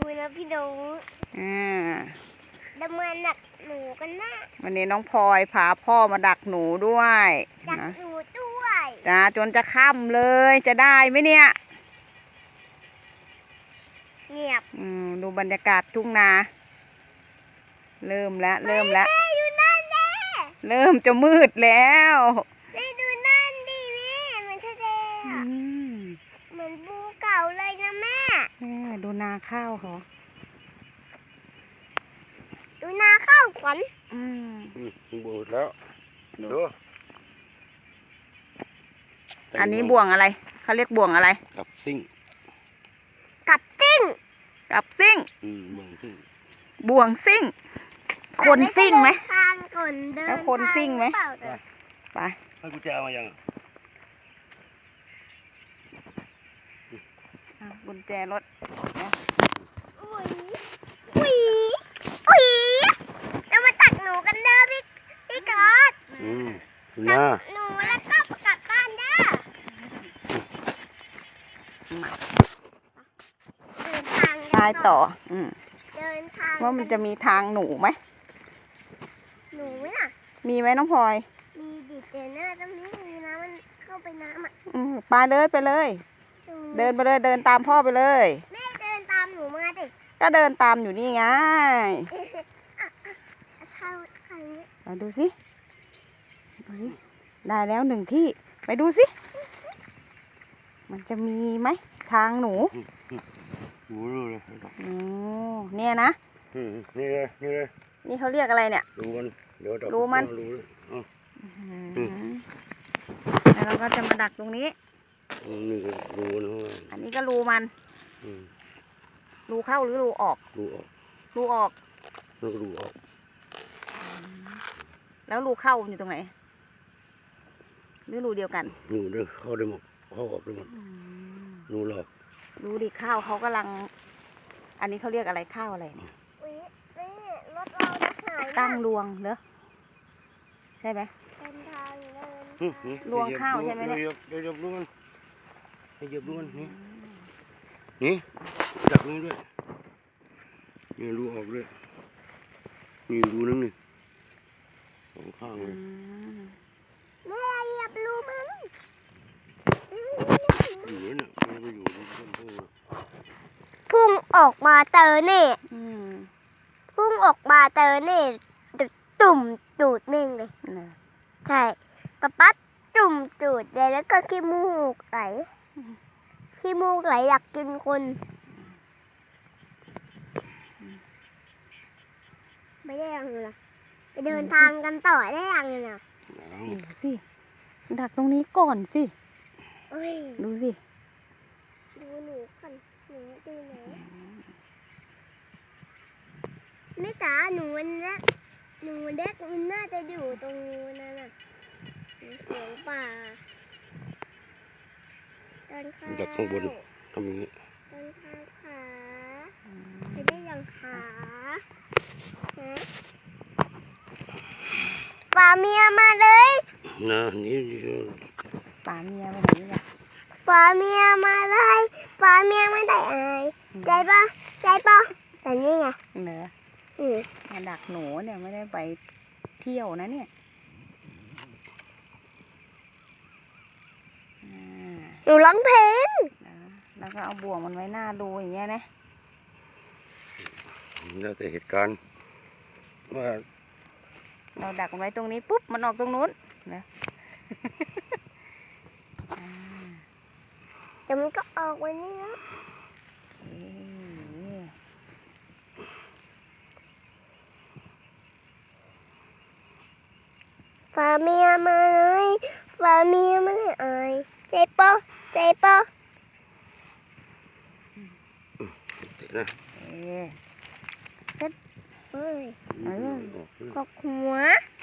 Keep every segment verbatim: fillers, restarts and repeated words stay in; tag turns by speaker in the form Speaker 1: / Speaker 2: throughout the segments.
Speaker 1: นะพี่หนู
Speaker 2: อ่า
Speaker 1: ดำเนินดักหนูกันนะ
Speaker 2: วันนี้น้องพลอยพาพ่อมาดักหนูด้วย
Speaker 1: ดักหนูด้วย
Speaker 2: จ้าจนจะค่ำเลยจะได้ไหมเนี่ย
Speaker 1: เงียบ
Speaker 2: อืมดูบรรยากาศทุ่งนาเริ่มแล้วเริ่มแล้วเริ่มจะมืดแล้ว
Speaker 1: แม่ดูนั่นดิแม่มันทะเลอ่ะเหมือนภูเก่าเลยนะแม่
Speaker 2: แม่ดูนาข้าวเขา
Speaker 1: ดูนาข้าวขวัญ
Speaker 2: อืม
Speaker 3: บูดแล้วดู
Speaker 2: อันนี้บ่วงอะไรเขาเรียกบ่วงอะไร
Speaker 3: กับซิ่ง
Speaker 1: กับซิ่ง
Speaker 2: กับซิ่ง
Speaker 3: อืมบ่วงซิ่ง
Speaker 2: บ่วงซิ่งคนซิ่งไหม
Speaker 1: แล้ว
Speaker 2: คนซิ่งไหมไป
Speaker 3: ให้กุญแจมายัง
Speaker 2: กุญแจรถ
Speaker 1: อุ้ยอุ้ยอุ้ยเรามาตักหนูกันเด้อพี่พี่กอด
Speaker 3: อืม
Speaker 1: ตักหนูแล้วก็กลับบ้านเด้อเดินทาง
Speaker 2: ทายต่ออืม
Speaker 1: เดินทาง
Speaker 2: ว่ามันจะมีทางหนูไหม
Speaker 1: หนูไหมล่ะ
Speaker 2: มีไหมน้องพลอย
Speaker 1: มีดิเจเนอร์ตรงนี้มีน้ำมันเข้าไปน้ำอ่ะ
Speaker 2: อืมไปเลยไปเลยเดินไปเลยเดินตามพ่อไปเลย
Speaker 1: แม่เดินตามหนูมาดิ
Speaker 2: ก็เดินตามอยู่นี่ไงไปดูสิดูสิได้แล้วหนึ่งที่ไปดูสิมันจะมีไหมทางหนู
Speaker 3: ดูเลย
Speaker 2: โอ้เนี่ยนะ
Speaker 3: นี่เลยนี่เลย
Speaker 2: นี่เขาเรียกอะไรเนี่ย
Speaker 3: ดูมันเดี๋ยว
Speaker 2: รู้มันแล้วเราก็จะมาดักตรงนี้
Speaker 3: นี่รูนะ
Speaker 2: อันนี้ก็รูมันรูเข้าหรือรูออก
Speaker 3: รูออก
Speaker 2: รูออก
Speaker 3: แล้วก็รูออก
Speaker 2: แล้วรูเข้าอยู่ตรงไหนหรือรูเดียวกัน
Speaker 3: รูเดียวเข้าได้หมดเข้าออกได้หมดรูหลอก
Speaker 2: รูดิข้าวเขากำลังอันนี้เขาเรียกอะไรข้าวอะไร
Speaker 1: รถเราจะหาย
Speaker 2: ตั้งรวงเหรอใช่ไหมรวงข้าวใช่ไหมเนี่ย
Speaker 3: เดี๋ยวจับรูมันเดี๋ยวจับรูมันนี่นี่จับรูด้วยนี่รูออกด้วยนี่รูนึงนี่สองข้างเลย
Speaker 1: แม่เหยียบรูมัน
Speaker 3: อยู่เนี่ยมันไปอยู่ที่ต้นพุ่ง
Speaker 1: พุ่งออกมาเจอเนี่ยพุ่งออกมาเจอเนี่ยตุ่มจูดเม่งเลยใช่ปะปั๊ดจุ่มจูดเลยแล้วก็ขี้มูกไหลขี้มูกไหลอยากกินคนไม่ได้ยังเลยไปเดินทางกันต่อได้ยังเลยนะ
Speaker 2: ดูสิดักตรงนี้ก่อนสิดูสิ
Speaker 1: ดูหนูก่อนหนูดูหนูแม่จ๋าหนูมันเล็กหนูเล็กมันน่าจะอยู่ตรงนั้นน่ะเสียงป่าต้นข้าว
Speaker 3: จากข้างบนทำอย่างนี้
Speaker 1: ต้นข้าวขาจะได้ยังขาป่าเมียมาเลย
Speaker 3: นะนี่
Speaker 2: ป่าเมียมาไหนเนี่ย
Speaker 1: ป่าเมียมาเลยป่าเมียไม่ได้อายใจปะใจปะแต่นี่ไง
Speaker 2: เหนือมาดักหนูเนี่ยไม่ได้ไปเที่ยวนะเนี่ย
Speaker 1: หนูร้องเพลง
Speaker 2: แล้วก็เอาบ่วงมันไว้หน้าดูอย่างเงี้ยนะ
Speaker 3: แล้วแต่เหตุการณ์ว่า
Speaker 2: เราดักมันไว้ตรงนี้ปุ๊บมันออกตรงนู้นนะ
Speaker 1: แต่มันก็ออกไว้นี่นะฝ่าเมียมาเลยฝ่าเมียมาเลยอายใจปะใจปะ
Speaker 3: นะ
Speaker 1: เซ็ตเฮ้ยกอกหัว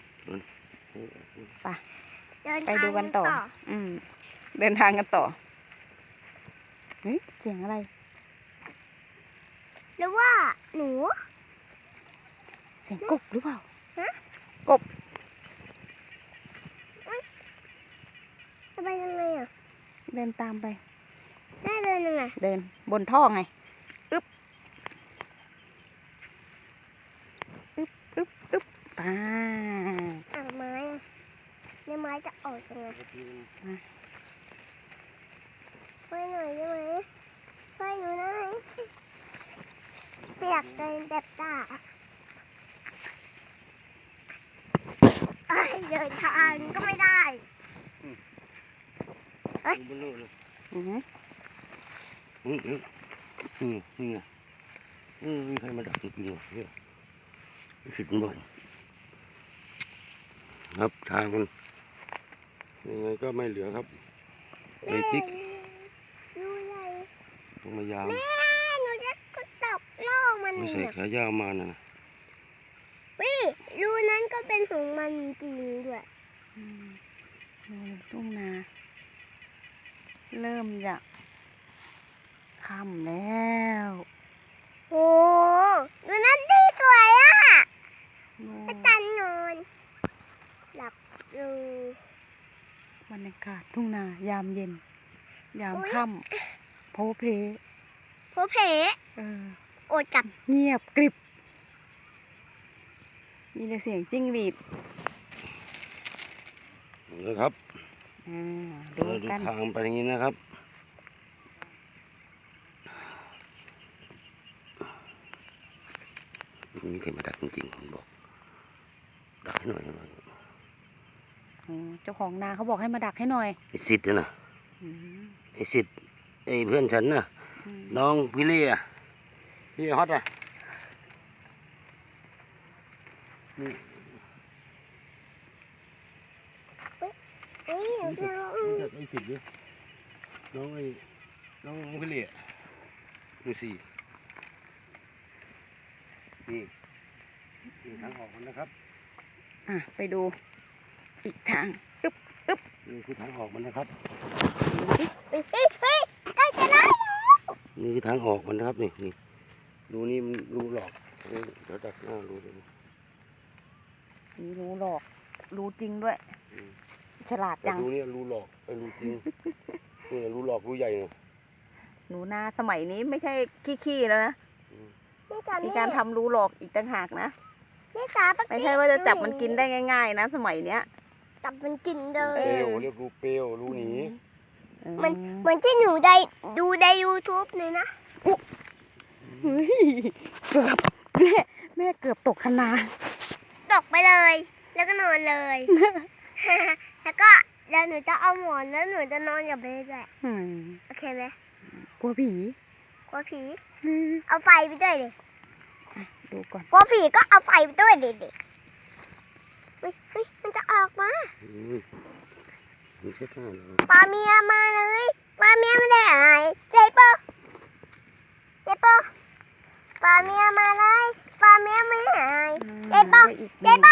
Speaker 2: ไปไปดูกันต่ออืมเดินทางกันต่อเฮ้ยเสียงอะไร
Speaker 1: หรือว่าหนู
Speaker 2: เสียงกบหรือเปล่า
Speaker 1: ฮะ
Speaker 2: กบ
Speaker 1: จะไปยังไงอ่ะ
Speaker 2: เดินตามไป
Speaker 1: ได้เดินยังไง
Speaker 2: เดินบนท่อไงอึ๊บไป
Speaker 1: อ่ะไม้อะในไม้จะออกยังไงช่วยหน่อยได้ไหมช่วยหนูหน่อยไม่อยากเดินแบบจ่าเอ้ยเดินทางก็ไม่ได้ เอ้ย
Speaker 3: ดูบนโลกเลย
Speaker 2: อือหือ
Speaker 3: อืมอืมอืมนี่ไงอืมมีใครมาดักจริงๆเหรอเนี่ยผิดมันบ่อยครับทางมันยังไงก็ไม่เหลือครับไอ้ติ๊ก
Speaker 1: ดูใหญ่
Speaker 3: ต้องมายาม
Speaker 1: แม่หนูจะกระตกล่อมัน
Speaker 3: ไม่
Speaker 1: เนี่
Speaker 3: ใส่
Speaker 1: ย
Speaker 3: ขายาวมานะ
Speaker 1: วิรูนั้นก็เป็นของมันจริงด้วย
Speaker 2: อืมดูทุ่งนา เริ่มจะค่ำแล้ว
Speaker 1: โอ้ดูนั้นดีสวยอ่ะ
Speaker 2: โอ้
Speaker 1: กระตันนอนหลับอยู่
Speaker 2: บรรยากาศทุ่งนายามเย็น ยาม
Speaker 1: อุ๊ย
Speaker 2: ค่ำโพเพ
Speaker 1: โพเพ
Speaker 2: เออ
Speaker 1: โอดกัด
Speaker 2: เงียบกริบ มีแต่เสียงจิ้งหรีด
Speaker 3: นะครับ
Speaker 2: อ่าดู
Speaker 3: เราดู
Speaker 2: กัน
Speaker 3: ทางไปอย่างนี้นะครับมีใครมาดักจริงๆผมบอกดักให้หน่อยหน่อย
Speaker 2: อ๋อเจ้าของนาเขาบอกให้มาดักให้หน่อย
Speaker 3: ไอ้สิทธิ์นะ
Speaker 2: อืม
Speaker 3: ไอ้สิทธิ์ไอ้เพื่อนฉันน่ะ
Speaker 2: อืม
Speaker 3: น้องพี่เล่อะพี่ฮอตอะนี่
Speaker 1: เอ้ย
Speaker 3: รู้จั
Speaker 1: เดี๋
Speaker 3: ก
Speaker 1: ยว
Speaker 3: รู้จักไอ้สิทธิ์ด้วยน้องไอ้น้องน้องพี่เล่อะดูสินี่นี่ทางออกมันนะครับ
Speaker 2: อ่ะ ไปดูอีกทาง
Speaker 3: นี่คือทางออกมันนะครับ
Speaker 2: ดูสิ
Speaker 1: เฮ้ยเฮ้ยเฮ้ยใกล้จะได้แล้ว
Speaker 3: นี่คือทางออกมันนะครับนี่นี่รูนี่มันรูหลอกนี่เดี๋ยวดักหน้ารูเลย
Speaker 2: มีรู้หลอก รู้จริงด้วย
Speaker 3: อืม
Speaker 2: ฉลาด
Speaker 3: แต่
Speaker 2: จัง
Speaker 3: รูนี่รูหลอกไอ้รูจริง นี่รูหลอกรูใหญ่เนี่ย
Speaker 2: หนูนาสมัยนี้ไม่ใช่ขี้ๆแล้วนะ
Speaker 3: อืม
Speaker 1: นี่จ๋า
Speaker 2: มี
Speaker 1: นี่
Speaker 2: การทำรูหลอกอีกต่างหากนะ
Speaker 1: นี่จ๋าปะ
Speaker 2: ไม่ใช่ว่าจะจับมันกินได้ง่าย ๆ นะ สมัยเนี้ย
Speaker 1: จับมันกินเล
Speaker 3: เป
Speaker 1: ย
Speaker 3: ลวเรียกรูเปลวรูหนี
Speaker 1: มัน เหมือนที่หนูได้ดูใน YouTube เลยนะ
Speaker 2: เฮ้ยเกือบแม่แม่เกือบตกคะนา
Speaker 1: ตกไปเลย แล้วก็นอนเลย แล้วก็เดี๋ยวหนูจะเอาหมอนแล้วหนูจะนอนกับเบสด้วย
Speaker 2: อืม
Speaker 1: โอเคไหม
Speaker 2: กลัวผี
Speaker 1: กลัวผี
Speaker 2: อืม
Speaker 1: เอาไฟไปด้วยดิ
Speaker 2: ดูก่อน
Speaker 1: กลัวผีก็เอาไฟไปด้วยดิดิเฮ้ยเฮ้ยมันจะออกมา
Speaker 3: อืมมีเสื้อผ้าเหรอ
Speaker 1: ปลาเมียมาเลยปลาเมียไม่ได้หายเจ๊ปะเจ๊ปะปลาเมียมาเลยปลาเมียไม่หาย เจ๊ปะ
Speaker 2: ได้อีก
Speaker 1: เจ๊ปะ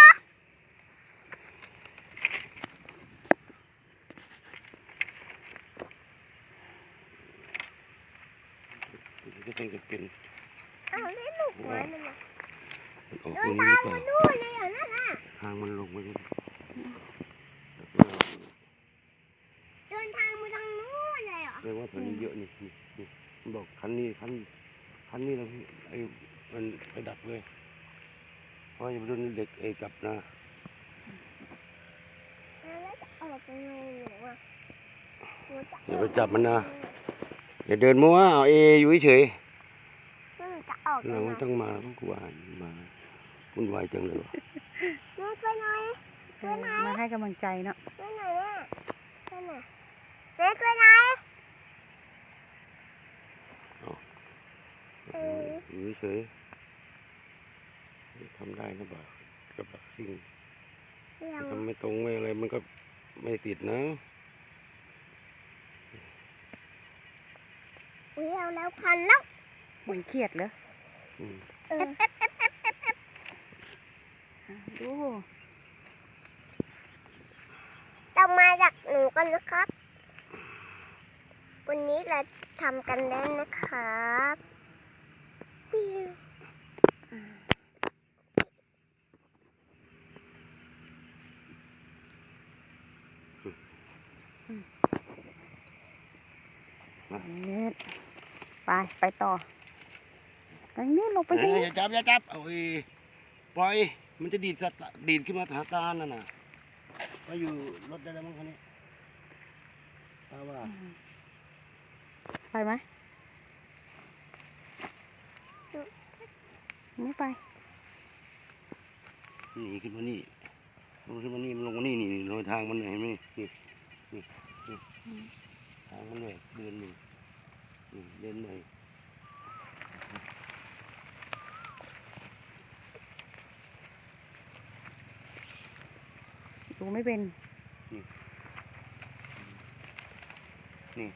Speaker 3: ก็ต้องจะเป็น
Speaker 1: เอาได้ลูกหัวมันนะ
Speaker 3: มันออก
Speaker 1: เดิ
Speaker 3: ตร
Speaker 1: น
Speaker 3: งนี้
Speaker 1: ทาง
Speaker 3: เปล่า
Speaker 1: มานู่นเลยเหรอนั่นน่ะ
Speaker 3: ทางมันลงไปนี่
Speaker 1: เดินทางมาทางนู้นเลยเหรอ
Speaker 3: แปลว่าแถวนี้เยอะนี่นี่นี่มันบอกคันนี้คันคันนี้แล้วพี่ไอ้มันไปดักเลยเพราะอย่าไปโดนเด็กไอ้กลับนะ
Speaker 1: แล้วจะออกยังไงหนูอ่ะหนูจะ
Speaker 3: อย่าไปจับมันนะอย่าเดินมั่วเอาเออยู่เฉย
Speaker 1: แล้วหนูจะออก
Speaker 3: ๆ
Speaker 1: ยั
Speaker 3: เรา
Speaker 1: งไง
Speaker 3: ต้องมาต้องกลัวมาวุ่นวายจังเลยวะ
Speaker 1: หนูช่วยหน่อย
Speaker 2: เออมาให้กำลังใจเนาะ
Speaker 1: ช่วยหน่อยแม่ช่วยหน่อยแม่ช่วยหน่อย เออ
Speaker 3: อยู่เฉยๆทำได้นะบ่ากับดักซิ่ง
Speaker 1: เดี๋ยว
Speaker 3: ทำไม่ตรงไม่อะไรมันก็ไม่ติดนะ
Speaker 1: อุ้ยเอาแล้วพันแล้ว
Speaker 2: เหมือนเครียดเหรอ
Speaker 3: อืม
Speaker 1: เออ
Speaker 2: อ่ะดู
Speaker 1: เรามาจากหนูกันนะครับ วันนี้เราทำกันแล้วนะครับวิว
Speaker 2: เน็ตไป ไปต่อทางนี้ลงไป
Speaker 3: เอ้
Speaker 2: ทาง
Speaker 3: ย
Speaker 2: นี้
Speaker 3: อย่าจับอย่าจับเอาอีปล่อยมันจะดีดสตาดีดขึ้นมาหาตานั่นน่ะก็อยู่รถได้แล้วมั้งคันนี้ตาว่า
Speaker 2: ไปไหมไม่ไป
Speaker 3: หนีขึ้นมานี่ลงขึ้นมานี่มันลงมานี่นี่รอยทางมันเห็นไหมนี่นี่นี่ทางมันเลยเดินนี่นี่เดินเลย
Speaker 2: ดูไม่เป็น
Speaker 3: นี่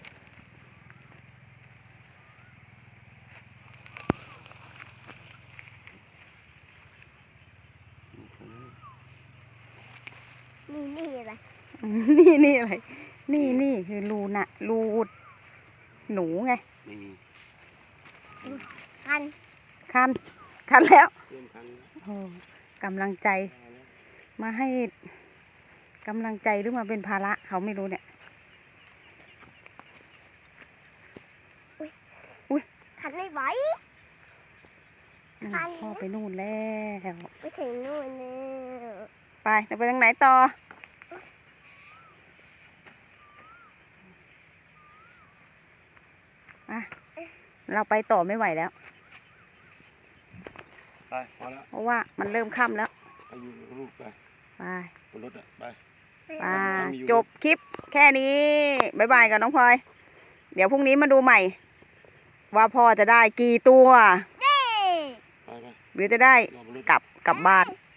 Speaker 1: นี่นี่อะไร
Speaker 2: นี่นี่อะไร นี่นี่คือรูน่ะ รูหนูไง
Speaker 3: ไม่มี
Speaker 1: คัน
Speaker 2: คัน คันแล้ว
Speaker 3: เริ่มคันแล้ว
Speaker 2: โอ้กำลังใจ มาให้กำลังใจหรือมาเป็นภาระเขาไม่รู้เนี่ย
Speaker 1: คันไม่ไหว
Speaker 2: นั่น
Speaker 1: คัน
Speaker 2: พ่อไปนู่นแล้ว
Speaker 1: ไปถึงนู่นแล้ว
Speaker 2: ไปจะไปทางไหนต่อ อ่ะ เราไปต่อไม่ไหวแล้ว
Speaker 3: ไปพอแล้ว
Speaker 2: เพราะว่ามันเริ่มค่ำแล้ว
Speaker 3: ไปอยู่กับลูกไป
Speaker 2: ไป
Speaker 3: บนรถอ่ะไป
Speaker 2: ไปจบคลิปแค่นี้บ๊ายบายกับน้องพลอย เดี๋ยวพรุ่งนี้มาดูใหม่ ว่าพ่อจะได้กี่ตัว
Speaker 1: เย้
Speaker 3: ไปไป
Speaker 2: หรือจะได้
Speaker 3: รอบนรถ
Speaker 2: กลับกลับบ้าน
Speaker 1: เ